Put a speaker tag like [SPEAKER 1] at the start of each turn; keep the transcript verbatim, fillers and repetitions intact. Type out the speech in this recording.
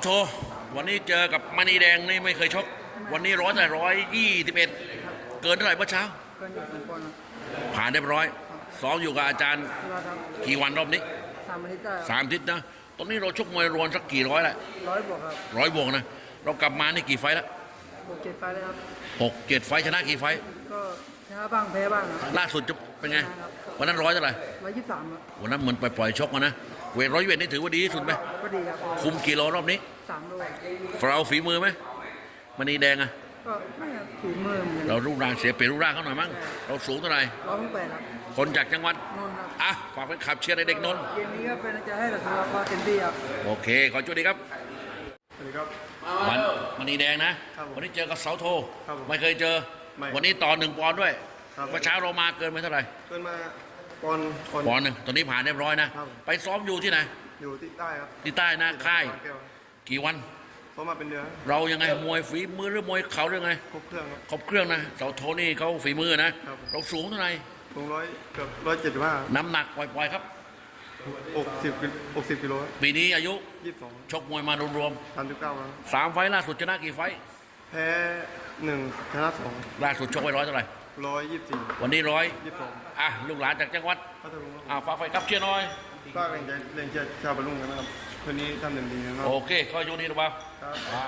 [SPEAKER 1] โทวันนี้เจอกับมณีแดงนี่ไม่เคยชกวันนี้ร้อยแต่ร้อยยี่สิบเอ็ดเกินเท่าไหร่เมื่อเช้า
[SPEAKER 2] ก็อยู่สองคนครับ
[SPEAKER 1] ผ่านเรียบร้อยซ้อมอยู่กับอาจารย์
[SPEAKER 2] สุราครับ
[SPEAKER 1] กี่วันรอบนี้
[SPEAKER 2] สามอาทิตย์ได้
[SPEAKER 1] สามอาทิศนะตอนนี้เราชกมวยรวนสักกี่ร้อยละ
[SPEAKER 2] ร้อยบวกครับ
[SPEAKER 1] ร้อยบวกนะเรากลับมานี่กี่ไฟต์ละ
[SPEAKER 2] บวกเจ็ดไฟล์เลยครับ
[SPEAKER 1] หกเจ็ดไฟต์ชนะกี่ไฟต์
[SPEAKER 2] ก็ชนะบ้างแพ้บ้างครับ
[SPEAKER 1] ล่าสุดจะเป็นไงวันนั้นร้อยเท่าไหร่
[SPEAKER 2] ร้อยยี่สิบสามครับ
[SPEAKER 1] วันนั้นเหมือนไปปล่อยชกมานะเวทร้อยเวทนี่ถือว่าดีที่สุดไหม
[SPEAKER 2] ก็ดีครับ
[SPEAKER 1] คุมกี่โลรอบนี้
[SPEAKER 2] สามโล
[SPEAKER 1] เราฝีมือไหมมณีแดงอะ
[SPEAKER 2] ก็ไม่ครับถือมือเหมือนกัน
[SPEAKER 1] เรารูปร่างเสียเปรียบรูปร่างเขาหน่อยมั้งเราสูงเท่าไหร่
[SPEAKER 2] ร้อยหกแปดครับ
[SPEAKER 1] คนจากจังหวัด
[SPEAKER 2] นนท์ครับ
[SPEAKER 1] อ่ะฝากเป็นขับเชียร์ในเด็กนนท์
[SPEAKER 2] เกมนี้ก็เป็นจะให้แต่สุราก็เต็มที่ครับ
[SPEAKER 1] โอเค ขอจุดดีครับ
[SPEAKER 3] สวัสดีครับ
[SPEAKER 1] วันมณีแดงนะครับ
[SPEAKER 3] ผม
[SPEAKER 1] วันนี้เจอกับเสาโท
[SPEAKER 3] ครับผม
[SPEAKER 1] ไม่เคยเจอ
[SPEAKER 3] ไม่
[SPEAKER 1] วันนี้ต่อหนึ่งปอนด์ด้วย
[SPEAKER 3] ครับ
[SPEAKER 1] เมื่อเช้าเรามาเกินไปเท่าไหร่
[SPEAKER 3] เกินมาปอนด์ปอนด์
[SPEAKER 1] ปอนด์หนึ่งตอนนี้ผ่านเรียบร้อยนะ
[SPEAKER 3] ครับ
[SPEAKER 1] ไปซ้อมอยู่ที่ไหน
[SPEAKER 3] อยู่ที่ใต้ครับ
[SPEAKER 1] ที่ใต้นะค่าย
[SPEAKER 3] บางแก้ว
[SPEAKER 1] กี่วัน
[SPEAKER 3] เพราะมาเป็นเดือน
[SPEAKER 1] เรายังไงมวยฝีมือหรือมวยเข่าหรือไง
[SPEAKER 3] ครบเครื่องครับ
[SPEAKER 1] ครบเครื่องนะเสาโทนี่เขาฝีมือนะครับ เราสูงเท่าไหร่
[SPEAKER 3] ลงร้อยเกือบร้อยเจ็ดสิบห้า
[SPEAKER 1] น้ำหนักปล่อยๆครับ
[SPEAKER 3] อกสิบอกสิบกิโล
[SPEAKER 1] ปีนี้อายุ
[SPEAKER 3] ยี่สิบสอง
[SPEAKER 1] ชกมวยมารวม
[SPEAKER 3] สามสิบเก้าครับ
[SPEAKER 1] ๆสามไฟล์ล่าสุดชนะกี่ไฟล์
[SPEAKER 3] แพ้หนึ่งชนะสอง
[SPEAKER 1] ล่าสุดชกไว้ร้อยเท่าไหร่
[SPEAKER 3] ร้อยยี่สิบสี่
[SPEAKER 1] วันนี้ร้อย
[SPEAKER 3] ยี่สิบสอง
[SPEAKER 1] อ่ะลูกหลานจากจังหวัด
[SPEAKER 3] พัทลุงครับ
[SPEAKER 1] อ่ะฝากไฟครับเชียร์หน่อย
[SPEAKER 3] ฝากแรงใจแรงใจชาวบรรลุงกันนะครับคืนนี้ทำเต็มที่นะครับ
[SPEAKER 1] โอเคขออยู่นี่นะบ่าว
[SPEAKER 3] ครับ
[SPEAKER 1] อ่ะ